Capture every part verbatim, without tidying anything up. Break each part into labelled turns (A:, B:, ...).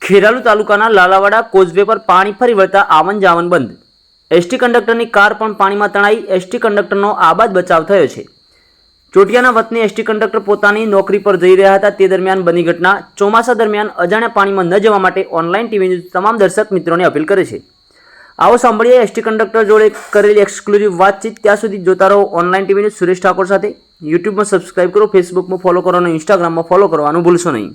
A: ખેરાલુ તાલુકાના લાલાવાડા કોઝવે પર પાણી ફરી વળતા આવન જાવન બંધ. એસટી કંડક્ટરની કાર પણ પાણીમાં તણાઈ. એસટી કંડક્ટરનો આબાદ બચાવ થયો છે. ચોટિયાના વતની એસટી કંડક્ટર પોતાની નોકરી પર જઈ રહ્યા હતા તે દરમિયાન બની ઘટના. ચોમાસા દરમિયાન અજાણ્યા પાણીમાં ન જવા માટે ઓનલાઈન ટીવી ન્યૂઝ તમામ દર્શક મિત્રોને અપીલ કરે છે. આવો સાંભળીએ એસટી કંડક્ટર જોડે કરેલી એક્સક્લુઝિવ વાતચીત. ત્યાં સુધી જોતા રહો online TV news Suresh Thakor સાથે. યુટ્યુબમાં સબસ્ક્રાઇબ કરો, ફેસબુકમાં ફોલો કરો અને ઇન્સ્ટાગ્રામમાં ફોલો કરવાનું ભૂલશો નહીં.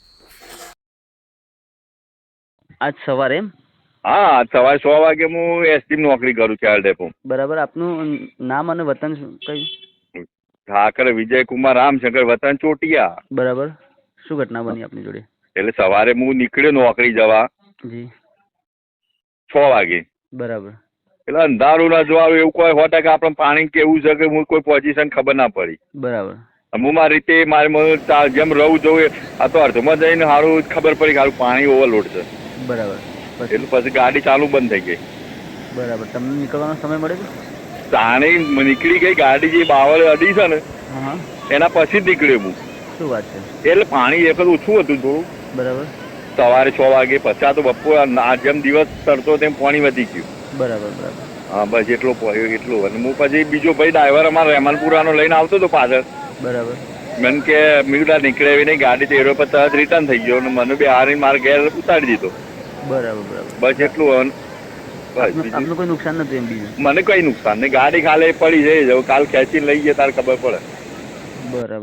A: આજ સવારે એમ
B: હા સવારે સો વાગે હું એસટી નોકરી કરું ચાર ડેપો.
A: બરાબર. આપનું નામ અને વતન કયું?
B: ઠાકર વિજયકુમાર રામશંકર, વતન ચોટિયા.
A: બરાબર. શું ઘટના બની આપની જોડે?
B: એટલે સવારે હું નીકળ્યો નોકરી જવા
A: જી
B: છ વાગે.
A: બરાબર.
B: એટલે અંધારું ના જોવાનું એવું કોઈ હોતા કે આપણે પાણી કેવું છે કે હું કોઈ પોઝિશન ખબર ના પડી.
A: બરાબર.
B: હું મારી રીતે મારે મને તા- જેમ રહું જોઉં આ તો અર્ધમાં જઈને સારું ખબર પડી કે સારું પાણી ઓવરલોડ છે.
A: બરાબર. પછી
B: એટલે પછી ગાડી ચાલુ બંધ થઈ ગઈ.
A: બરાબર. તમને નીકળવાનો સમય મળે છે?
B: તાણી નીકળી ગઈ ગાડી જે બાવળ અડી છે ને
A: હા હા.
B: એના પછી જ નીકળ્યો હું.
A: શું વાત છે?
B: એટલે પાણી એક જ ઓછું હતું થોડું
A: બરાબર.
B: સવારે છ વાગે. પછી આ તો બપોર આ જેમ દિવસ તરતો તેમ પાણી વધી ગયું.
A: બરાબર. બરાબર.
B: હા બસ એટલો પડ્યો એટલું. અને હું પછી બીજો ભાઈ ડ્રાઈવર અમારો રહેમાનપુરાનો લઈને આવતો હતો પાછળ.
A: બરાબર.
B: મને કે મીડા નીકળે એવી નહીં ગાડી તો એરો પર તરત રિટર્ન થઈ ગયો અને મને બી હારી મારા ઘેર ઉતારી દીધો.
A: બરાબર. બરાબર.
B: બસ એટલું. અને બસ
A: આપનું
B: બીજું
A: આપનું કોઈ નુકસાન નતું એમ બીજું?
B: મને કઈ નુકસાન નહીં. ગાડી ખાલી પડી જાય કાલ ખેંચીને લઈ ગયા તારે ખબર પડે.
A: બરાબર.